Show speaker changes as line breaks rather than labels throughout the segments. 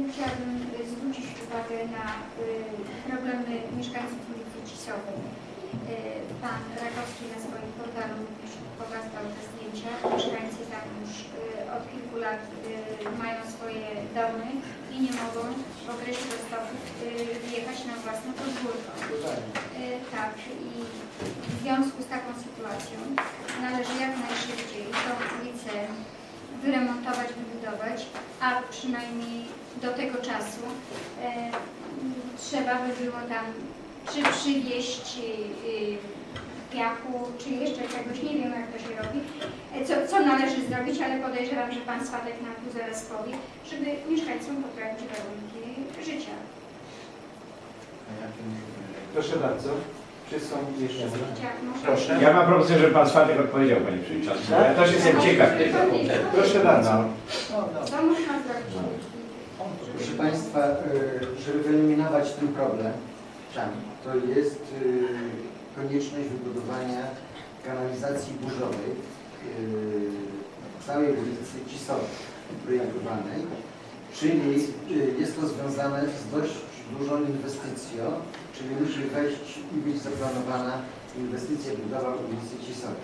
chciałabym zwrócić uwagę na problemy mieszkańców ulicy Cisowej. Pan Rakowski na swoim portalu również pokazał te zdjęcia. Mieszkańcy tam już od kilku lat mają swoje domy i nie mogą w okresie roztoków wjechać na własne podwórko. Tak, i w związku z taką sytuacją należy jak najszybciej tą ulicę wyremontować, wybudować, a przynajmniej do tego czasu trzeba by było tam czy przywieźć piachu, czy jeszcze czegoś, nie wiem jak to się robi, co należy zrobić, ale podejrzewam, że Pan Swatek nam tu zaraz powie, żeby mieszkańcom poprawić warunki życia.
Proszę bardzo. Czy są jeszcze...
Proszę. Ja mam propozycję, żeby Pan Swatek odpowiedział, Panie Przewodniczący. Ja też jestem ciekaw tego.
Proszę bardzo.
Co można zrobić?
Proszę Państwa, żeby wyeliminować ten problem, to jest konieczność wybudowania kanalizacji burzowej całej ulicy Cisowej projektowanej, czyli jest to związane z dość dużą inwestycją, czyli musi wejść i być zaplanowana inwestycja budowa ulicy Cisowej.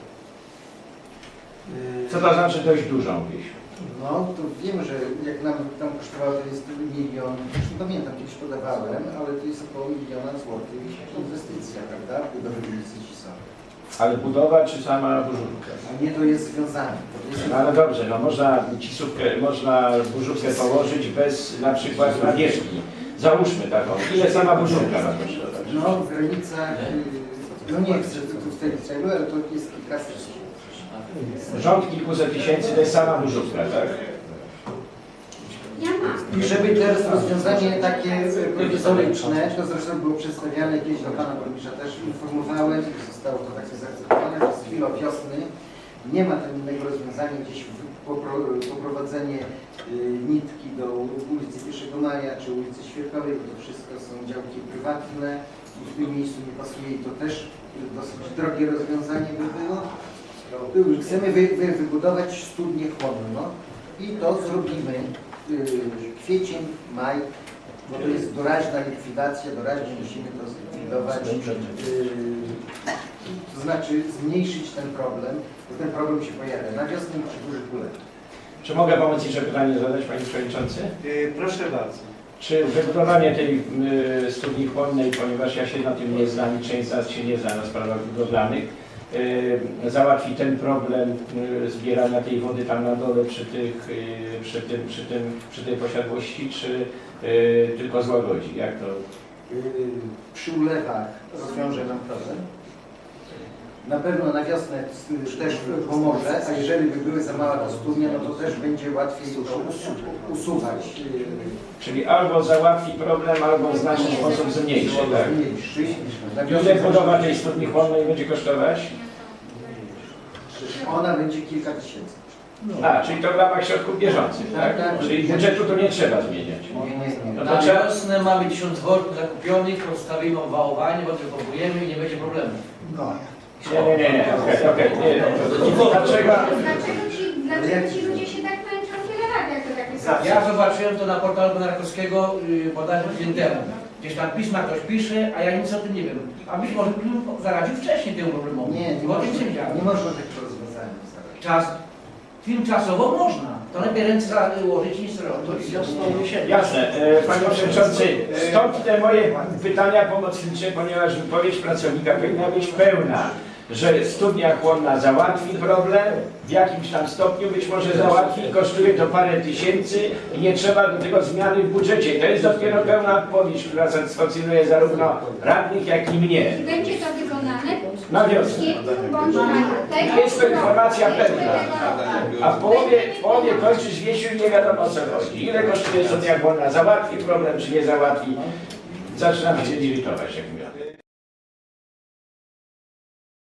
Co to znaczy dość dużą wieś?
No, to wiem, że jak nam tam kosztowało, to jest 1 milion, już nie pamiętam, kiedyś podawałem, ale to jest około 1 miliona złotych inwestycja, prawda, budowy ulicy Cisowej.
Ale budowa czy sama burzówka?
A nie, to jest związane.
No ale dobrze, no można burzówkę położyć bez na przykład nawierzchni. Załóżmy taką. Ile sama burzówka ma kosztować?
No, w granicach, no nie chcę tu w tej celu, ale to jest kilkaset.
Rząd kilkuset tysięcy to jest sama burzówka, tak?
I żeby teraz rozwiązanie takie prowizoryczne, to zresztą było przedstawiane kiedyś do Pana Burmistrza, też informowałem, zostało to takie zaakceptowane, że z chwilą wiosny nie ma tam innego rozwiązania, gdzieś poprowadzenie nitki do ulicy 1 Maja czy ulicy Świerkowej, bo to wszystko są działki prywatne i w tym miejscu nie pasuje i to też dosyć drogie rozwiązanie by było. Chcemy wybudować studnię chłonną i to zrobimy kwiecień, maj, bo to jest doraźna likwidacja, doraźnie musimy to zlikwidować, to znaczy zmniejszyć ten problem, bo ten problem się pojawia na wiosnę i przy dużych ulewach.
Czy mogę pomóc jeszcze pytanie zadać, Panie Przewodniczący?
Proszę bardzo.
Czy wybudowanie tej studni chłonnej, ponieważ ja się na tym nie znam i część z nas się nie zna na sprawach budowlanych, załatwi ten problem zbierania tej wody tam na dole przy tej posiadłości, czy tylko złagodzi? Jak to?
Przy ulewach rozwiąże nam problem. Na pewno na wiosnę też pomoże, a jeżeli by były za mała studnia, no to też będzie łatwiej to usuwać.
Czyli albo załatwi problem, albo w znaczny sposób zmniejszy, tak? Ile budowa tej studni chłonnej będzie kosztować?
Ona będzie kilka tysięcy.
A, czyli to w ramach środków bieżących, tak? Czyli budżetu tu nie trzeba zmieniać.
No
na wiosnę mamy 1000 worków zakupionych, rozstawimy owałowanie, wodę pompujemy i nie będzie problemu.
Nie. Okej. Dlaczego
ci ludzie się tak męczą tyle lat, jak to takie są?
Ja zobaczyłem to na portalu pana Rakowskiego bodajże tydzień temu. Gdzieś tam pisma ktoś pisze, a ja nic o tym nie wiem. A być może bym zaradził wcześniej temu problemowi.
Nie można takiego rozwiązania.
Tymczasowo można. To lepiej ręce ułożyć niż robić.
Jasne. Panie Przewodniczący, stąd te moje pytania pomocnicze, ponieważ wypowiedź pracownika powinna być pełna, że studnia chłonna załatwi problem, w jakimś tam stopniu być może załatwi, kosztuje to parę tysięcy i nie trzeba do tego zmiany w budżecie. To jest dopiero pełna odpowiedź, która satysfakcjonuje zarówno radnych, jak i mnie.
I będzie to wykonane
Na wiosnę.
To
jest to informacja pewna. A w połowie kończysz wiesiu i nie wiadomo o co chodzi. Ile kosztuje studnia chłonna? Załatwi problem, czy nie załatwi? Zaczynam się irytować, jak mówię.